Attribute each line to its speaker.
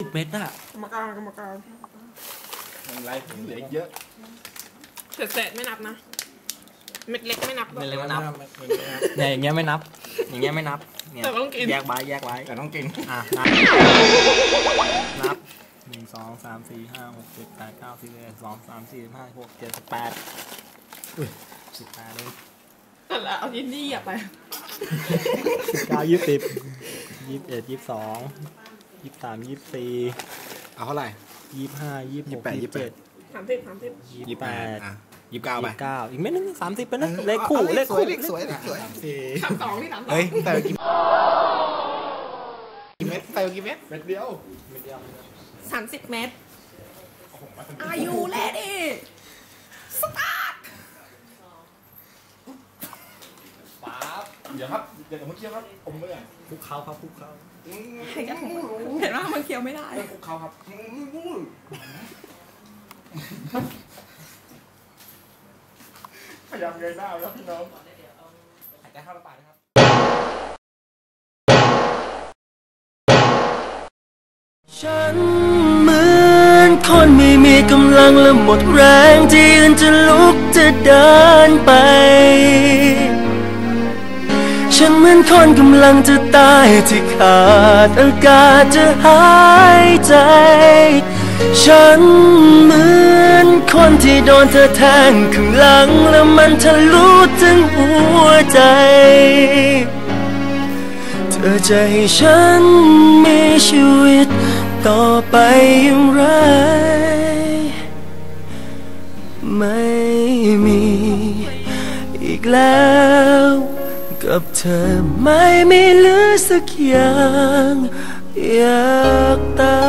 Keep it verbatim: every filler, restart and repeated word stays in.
Speaker 1: เม็ดอะ
Speaker 2: กรรมการกรรมการ
Speaker 3: อะไรผมเหลือเยอะ
Speaker 2: เศษเศษไม่นับนะเม็ดเล็กไม่นับ
Speaker 1: เม็ดเล็กไม่นับเนี่ยอย่างเงี้ยไม่นับอย่างเงี้ยไม่นับเนี่ยแยกไว้แยกไว้
Speaker 3: แต่ต้องกิน
Speaker 1: อ่ะนับนับหนึ่งสองสามสี่ห้าหกเจ็ดแปดเก้าสิบเอ็ดสองสามสี่ห้าหกเจ็ดสิบแปดสิบแปดเลย
Speaker 2: นั่นแหละเอายินดีอ่ะไป
Speaker 1: เก้ายี่สิบยี่สิบเอ็ดยี่สิบสองยี่สิบสามยี่สิบสี่
Speaker 3: เอาเท่าไหร่
Speaker 1: ยี่สิบห้ายี่สิบหกยี่สิบเจ็ด
Speaker 2: สามสิบสามสิบ
Speaker 1: ยี่สิบแปด
Speaker 3: ยี่สิบเก้าไป
Speaker 1: เก้าอีกไม่นึงสามสิบเป็นนะเลขคู่เลข
Speaker 3: คู่เลขสวยเลขสวย
Speaker 2: สามสองนี่สามสอง
Speaker 3: เฮ้ยแต่กี่เม็ดแต่กี่เม็ดเม็ดเดียว
Speaker 1: เม็ดเดียว
Speaker 2: สามสิบเม็ดอายุเลดี้สตาร์ท
Speaker 3: ป๊าบเดี๋ยวครับเดี๋ยวผมเคี้ยวครับผมเมื่อ
Speaker 1: คุกเขาครับคุกเขา
Speaker 2: เห็นว่ามันเคี้ยวไม่ได้
Speaker 3: คุกเขาครับพยายามเงยหน้าแล้วพี่น้องหายใจเข้าปากนะครับ
Speaker 4: ฉันเหมือนคนไม่มีกำลังและหมดแรงที่ยืนจะลุกจะเดินไปฉันเหมือนคนกำลังจะตายที่ขาดอากาศจะหายใจฉันเหมือนคนที่โดนเธอแทงข้างหลังแล้วมันทะลุถึงหัวใจเธอจะให้ฉันมีชีวิตต่อไปอย่างไรไม่มีอีกแล้วกับเธอไม่มีเหลือสักอย่างอยากตาย